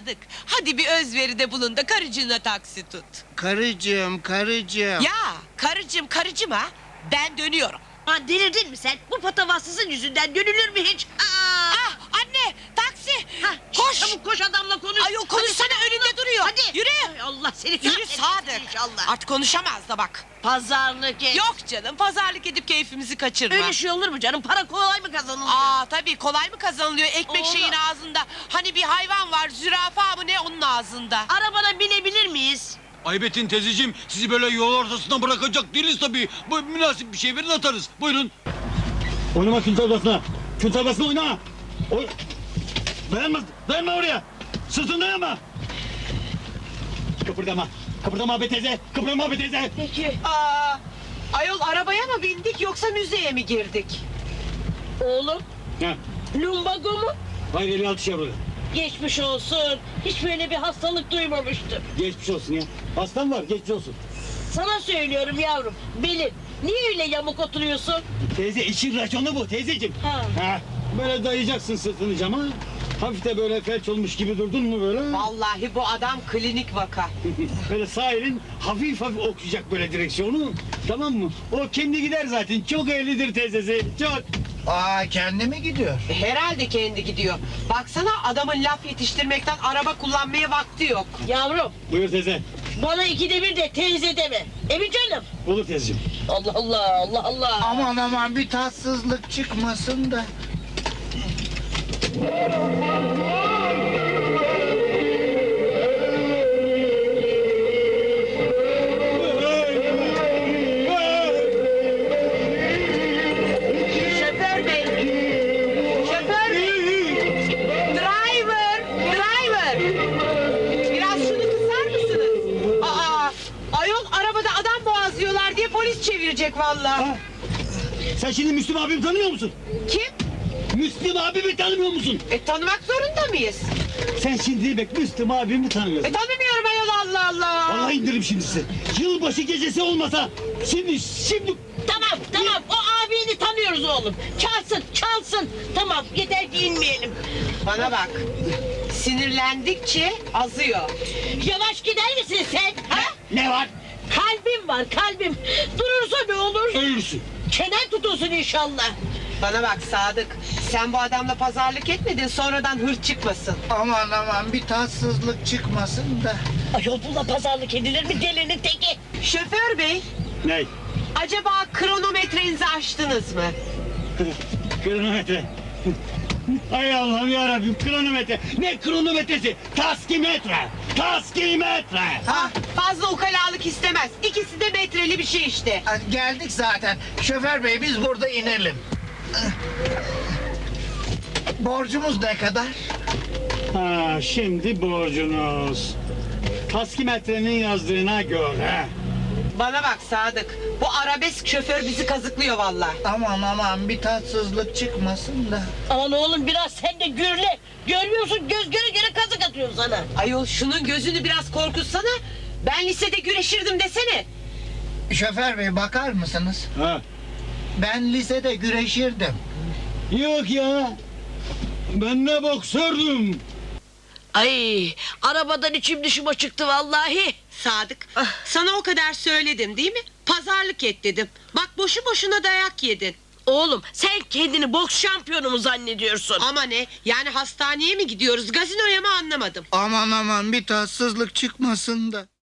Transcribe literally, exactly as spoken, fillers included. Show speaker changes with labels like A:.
A: Sadık, hadi bir özveride bulun da karıcığına taksi tut.
B: Karıcığım, karıcığım.
A: Ya karıcığım karıcığım ha, ben dönüyorum.
C: Ha, delirdin mi sen? Bu patavatsızın yüzünden dönülür mü hiç? Aa!
A: Ah anne, taksi.
C: Ha,
A: Koş.
C: Çabuk koş, adamla konuş.
A: Ayol konuşsana, önünde duruyor.
C: Hadi.
A: Yürü.
C: Ay, Allah seni
A: Yürü
C: kahretsin
A: Sadık.
C: inşallah.
A: Artık konuşamaz da bak.
C: Pazarlık et.
A: Yok canım, pazarlık edip keyfimizi kaçırma.
C: Öyle şey olur mu canım? Para kolay mı kazanılıyor?
A: Aa tabii, kolay mı kazanılıyor ekmek
C: Oğlum.
A: şeyin ağzında. Hani bir hayvan var, zürafa mı ne, onun ağzında.
C: Arabana binebilir miyiz?
D: Aybetin teyzeciğim, sizi böyle yol ortasına bırakacak değiliz tabii. Bu münasip bir şey verin, atarız. Buyurun. Oynama kül tablasına. Kül tablasına oyna. Oy. Dayanma, dayanma oraya. Sırtını dayanma. Kıpırdama. Kıpırdama abi teyze. Kıpırdama abi teyze.
C: Peki.
A: Aa, ayol arabaya mı bindik yoksa müzeye mi girdik?
C: Oğlum,
D: Ha.
C: lumbago mu?
D: Hayır, elli altı şevrole.
C: Geçmiş olsun. Hiç böyle bir hastalık duymamıştım.
D: Geçmiş olsun ya. Hastam var, geçmiş olsun.
C: Sana söylüyorum yavrum, belin. Niye öyle yamuk oturuyorsun?
D: Teyze, işin raconu bu teyzeciğim.
C: Ha.
D: Ha. Böyle dayayacaksın sırtını cama. Hafif de böyle felç olmuş gibi durdun mu böyle?
A: Vallahi bu adam klinik vaka.
D: Böyle sağ elin hafif hafif okuyacak böyle direksiyonu. Tamam mı? O kendi gider zaten. Çok ehlidir teyzesi. Çok.
B: Aa, kendi mi gidiyor?
A: E, Herhalde kendi gidiyor. Baksana, adamın laf yetiştirmekten araba kullanmaya vakti yok.
C: Yavrum,
D: Buyur teyze.
C: bana ikide bir de teyze deme. Evi canım.
D: Olur teyzeciğim.
C: Allah Allah, Allah Allah.
B: Aman aman, bir tatsızlık çıkmasın da.
A: Şoför bey. Şoför bey. Driver. Driver. Biraz şunu kısar mısınız? Aa, ayol arabada adam boğazlıyorlar diye polis çevirecek vallahi.
D: Ha? Sen şimdi Müslüm abimi tanımıyor musun?
A: Kim?
D: Müslüm abimi tanımıyor musun?
A: E tanımak zorunda mıyız?
D: Sen şimdi bak Müslüm abimi tanımıyorsun.
A: E tanımıyorum ayol, Allah Allah.
D: Vallahi indiririm şimdi sizi. Yılbaşı gecesi olmasa şimdi şimdi
C: Tamam, tamam. O abini tanıyoruz oğlum. Çalsın, çalsın. Tamam, yeter ki inmeyelim.
A: Bana bak. Sinirlendikçe azıyor.
C: Yavaş gider misin sen? Ha?
D: ne var?
C: Kalbim var, kalbim. Durursa ne olur?
D: Ölürsün.
C: Çenen tutulsun inşallah.
A: Bana bak Sadık. Sen bu adamla pazarlık etmedin, sonradan hırs çıkmasın.
B: Aman aman, bir tatsızlık çıkmasın da.
C: Ayol bununla pazarlık edilir mi, delinin teki?
A: Şoför bey,
D: Ne?
A: acaba kronometrenizi aştınız mı?
D: Kronometre. Ay Allah'ım yarabbim, kronometre. Ne kronometresi? Taskimetre. Taskimetre.
B: Ha,
A: Fazla ukalalık istemez. İkisi de metreli bir şey işte.
B: geldik zaten. Şoför bey, biz burada inelim. Borcumuz ne kadar?
D: Ha, şimdi borcunuz. Taskimetrenin yazdığına göre.
A: Bana bak Sadık, bu arabesk şoför bizi kazıklıyor vallahi.
B: Aman aman, bir tatsızlık çıkmasın da.
C: Aman oğlum biraz sen de gürle. Görmüyorsun, göz göre göre kazık atıyor sana.
A: Ayol şunun gözünü biraz korkutsana. Ben lisede güreşirdim desene.
B: Şoför bey, bakar mısınız?
D: Ha.
B: Ben lisede güreşirdim.
D: Yok ya. Ben ne boksördüm.
C: Ay, arabadan içim dışıma çıktı vallahi.
A: Sadık, sana o kadar söyledim değil mi? Pazarlık et dedim. Bak boşu boşuna dayak yedin.
C: Oğlum sen kendini boks şampiyonu mu zannediyorsun?
A: Ama ne? Yani hastaneye mi gidiyoruz, gazinoya mı, anlamadım.
B: Aman aman, bir tatsızlık çıkmasın da.